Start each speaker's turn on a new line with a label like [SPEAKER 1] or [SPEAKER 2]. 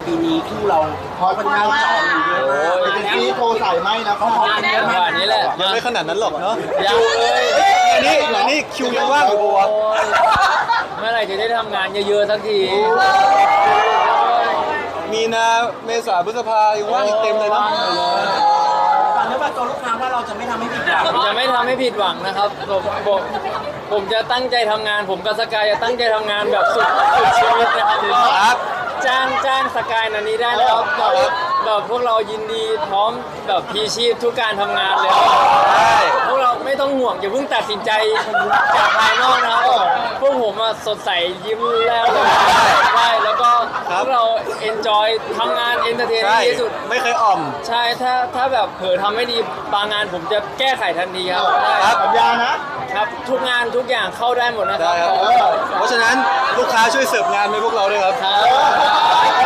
[SPEAKER 1] ปีนี้คู่เราพอเป็นงานจอดอยู่เยอะมาก
[SPEAKER 2] เอเจนซี่โทรสายไหมนะ
[SPEAKER 1] เขาขอกันเยอะ
[SPEAKER 3] จังห
[SPEAKER 1] มาก
[SPEAKER 3] วะนี้แหละ
[SPEAKER 4] ยังไม่ขนาดนั้นหรอกเนาะ
[SPEAKER 3] ยังเลย
[SPEAKER 4] นี่คิวยังว่างอยู่ปะวะ
[SPEAKER 3] เมื่อไหร่จะได้ทำงานเยอะๆสักที
[SPEAKER 4] มีนาเมษาพฤษภายังว่างอีกเต็มเลยเนาะ
[SPEAKER 1] ฟังเนื้อฟังตัวลูกค้าว่าเราจะไม่ทำให้ผิดหวัง
[SPEAKER 3] ผมจะไม่ทำให้ผิดหวังนะครับผมจะตั้งใจทำงาน ผมกับสกายจะตั้งใจทำงานแบบสุดชีวิตนะครับก็
[SPEAKER 4] ครับ
[SPEAKER 3] จ้างสกายนันนี้ได้นะครับแบบพวกเรายินดีพร้อมแบบพีชีพทุกการทำงานเลย
[SPEAKER 4] ใช่
[SPEAKER 3] พวกเราไม่ต้องห่วงอย่าเพิ่งตัดสินใจจากภายนอกนะครับพวกผมอะสดใสยิ้มแล้วใช่แล้วก็พวกเราเอนจอยทำงานเอนเตอร์เทน
[SPEAKER 4] ใช่
[SPEAKER 3] ที่สุด
[SPEAKER 4] ไม่เคยอ่อม
[SPEAKER 3] ใช่ถ้าแบบเผลอทำไม่ดีบางงานผมจะแก้ไขทันทีครับได้
[SPEAKER 4] ครับ
[SPEAKER 2] สัญญานะครับ
[SPEAKER 3] ทุกงานทุกอย่างเข้าได้หมดนะครั
[SPEAKER 4] ได้ครับ เพราะฉะนั้นลูกค้าช่วยเสิร์ฟงานให้พวกเราด้วยครับ
[SPEAKER 3] ครับ